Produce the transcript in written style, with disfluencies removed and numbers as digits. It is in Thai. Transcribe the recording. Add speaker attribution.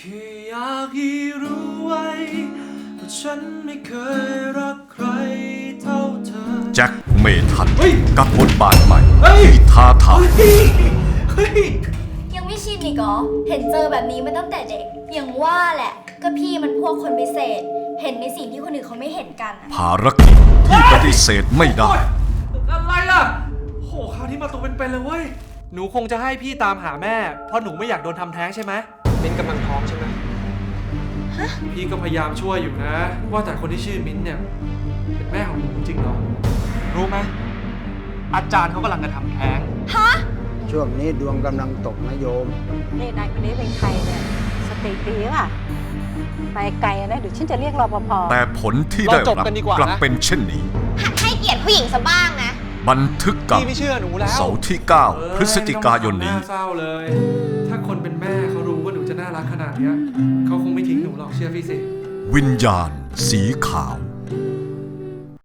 Speaker 1: ค่อยากให้รู้ไว้ว่าฉันไม่เคยรักใครเท่าเธอ
Speaker 2: แจ็คเมทัน
Speaker 1: เฮ้ย
Speaker 2: กับบทบาทใหม่
Speaker 1: เฮ้ย
Speaker 2: ที่ท้าทาย
Speaker 1: เฮ้ย
Speaker 3: ยังไม่ชินอีกเหรอ เห็นเจอแบบนี้มาตั้งแต่เด็ก อย่างว่าแหละ ก็พี่มันพวกคนพิเศษ เห็นในสิ่งที่คนอื่นเขาไม่เห็นกันอะ
Speaker 2: ภารกิจที่ปฏิเสธไม่ได้
Speaker 1: โอ๊ยอะไรล่ะโหคราวนี้มาตัวเป็นๆเลยเว้ยหนูคงจะให้พี่ตามหาแม่เพราะหนูไม่อยากโดนทำแท้งใช่ไหมมิ้นกำลังท้องใช่ไหมพี่ก็พยายามช่วยอยู่นะ ว่าแต่คนที่ชื่อมิ้นเนี่ยเป็นแม่ของหนูจริงเหรอรู้ไหมอาจารย์เขากำลังจะทำแท้ง
Speaker 4: ช่วงนี้ดวงกำลังตกนะโยม
Speaker 5: นี่นายคนนี้เป็นใครเนี่ย สติดีป่ะ ไปไกลนะเดี๋ยวฉันจะเรียกรปภ
Speaker 2: แต่ผลที่ได้
Speaker 1: เราจ
Speaker 2: รับบ
Speaker 1: กันดีกว่านะ
Speaker 2: กลับเป็นเช่นนี้
Speaker 6: หัดให้เกียรติผู้หญิงซะบ้างนะ
Speaker 2: บันทึกกับ
Speaker 1: พี่ไม่เชื่อหนูแล้ว
Speaker 2: เสาร์ที่ 9 พฤศจิกายนนี้
Speaker 1: เศร้าเลย ถ้าคนเป็นแม่เขารู้ว่าหนูจะน่ารักขนาดเนี้ยเขาคงไม่ทิ้งหนูหรอกเชื่อพี่สิ
Speaker 2: วิญญาณสีขาว